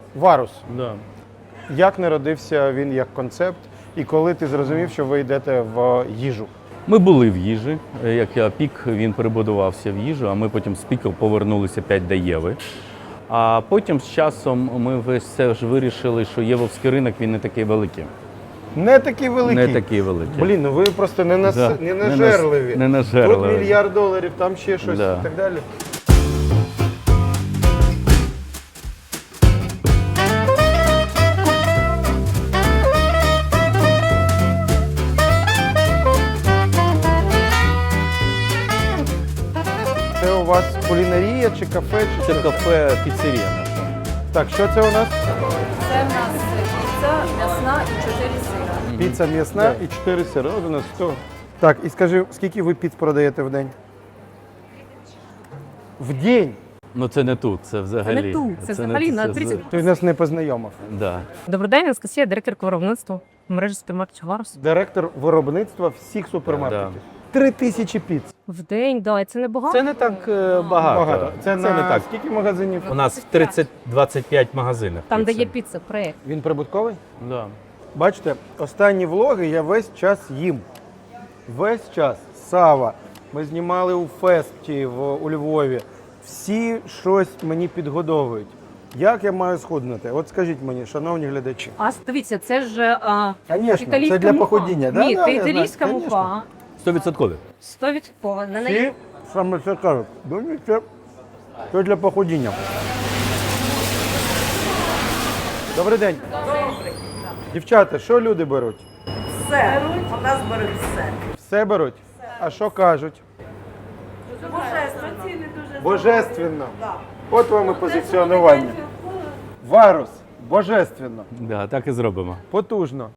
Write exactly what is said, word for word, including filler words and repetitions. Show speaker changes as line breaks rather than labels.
Варус.
Да.
Як народився він як концепт, і коли ти зрозумів, що ви йдете в їжу?
Ми були в їжі. Як я пік, він перебудувався в їжу, а ми потім з піку повернулися п'ять до Єви. А потім з часом ми весь все ж вирішили, що євовський ринок він не такий великий.
Не такий великий.
Не такий великий.
Блін, ну ви просто не, нас...
Да.
не
Не нас-
нажерливі.
не нажерливі.
Тут мільярд доларів, там ще щось
Да.
і так далі. Це у вас кулінарія чи кафе? Чи
Це
що?
кафе піцерія наша.
Так, що це у нас?
Це в нас піца м'ясна і чотири сира.
Піца м'ясна і чотири сири. От у нас сто. Так, і скажи, скільки ви піц продаєте в день? В день?
Ну це не тут, це взагалі.
не тут, це взагалі на тридцять.
Ти нас не познайомив.
Да.
Добрий день, Анастасія, директор виробництва мережі супермаркетів Варус.
Директор виробництва всіх супермаркетів. Три тисячі піц.
В день, да, і це не багато.
Це не так е, багато.
Багато. Це, на
не так.
скільки магазинів?
У нас в тридцять двадцять п'ять магазинів.
Там, де
піци.
є піца, проєкт.
Він прибутковий?
Да.
Бачите, останні влоги я весь час їм. Весь час. Сава. Ми знімали у Фесті в, у Львові. Всі щось мені підгодовують. Як я маю схуднути? От скажіть мені, шановні глядачі.
А дивіться, це ж а,
Звісно,
італійська
це для
мука.
походіння. Да,
Ні,
да,
це
я знаю,
італійська
конечно.
мука.
сто відсотків.
сто відсотків. На неї
Всі саме це кажуть. Думаю, це, це для походіння. Добрий день. Дівчата, що люди беруть?
Все. У нас беруть все.
Все беруть? А що кажуть?
Божественно. Ціни дуже
Божественно. От вам і позиціонування. Варус. Божественно.
Да, так і зробимо.
Потужно.